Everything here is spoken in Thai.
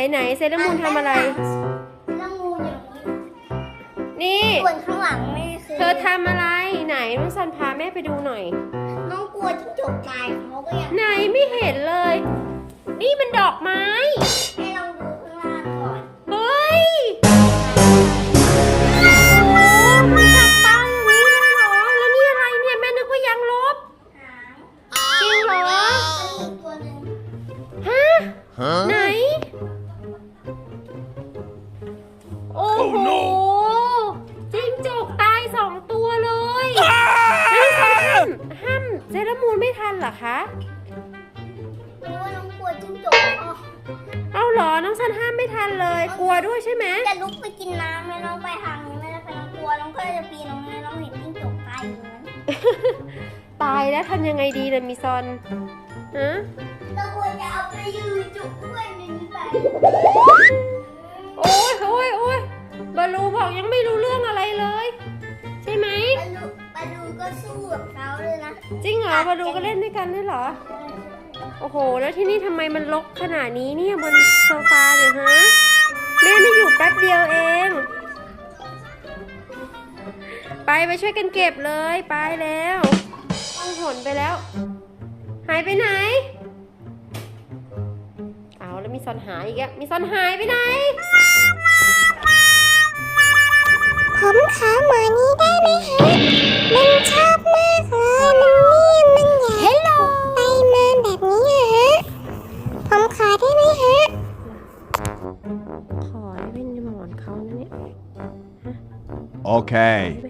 ไหนเซเลอร์มูนทำอะไรเซเลอร์มูนอยู่นี่ส่วนข้างหลังแม่คือเธอทำอะไรไหนน้องซันพาแม่ไปดูหน่อยน้องกลัวจิ้งจกตายเขาก็ยังไหนไม่เห็นเลย นี่มันดอกไม้ให้ลองดูข้างล่างก่อนเฮ้ยมันจับตาอย่างนี้เลยเหรอแล้วนี่อะไรเนี่ยแม่นึกว่ายังลบหางจริงเหรอมีตัวหนึ่งฮะไหนโอ้โหจิ้งจกตาย2 ตัวเลยไม่ห้ามเซเลอร์มูนไม่ทันเหรอคะเพราะว่าน้องกลัวจิ้งจกเอาเหรอน้องซันห้ามไม่ทันเลยกลัวด้วยใช่ไหมจะลุกไปกินน้ำแล้วน้องไปทางนี้ไม่ได้ไปน้องกลัวน้องก็จะปีนน้องเลยน้องเห็นจิ้งจกตายอยู่นั้นตายแล้วทำยังไงดีล่ะมิซอนฮะเราควรจะเอาไปยืนจุกด้วยในนี้ไปโอ้ยบาลูบอกยังไม่รู้เรื่องอะไรเลยใช่ไหมบาลูก็สู้กับเขาเลยนะจริงเหรอบาลูก็เล่นด้วยกันด้วยเหรอโอ้โหแล้วที่นี่ทำไมมันรกขนาดนี้เนี่ยบนโซฟาเนี่ยฮะแม่ไม่อยู่แป๊บเดียวเองไปช่วยกันเก็บเลยไปแล้วต้องหนไปแล้วหายไปไหนเอาแล้วมีซอนหายอีกแล้วมีซอนหายไปไหนผมขอหมอนี้ได้ไหมฮะมันชอบมากเลยมันอยากไปมาแบบนี้ฮะผมขอได้ไหมฮะขอได้เป็นหมอนเขานะเนี่ย Okay. ไป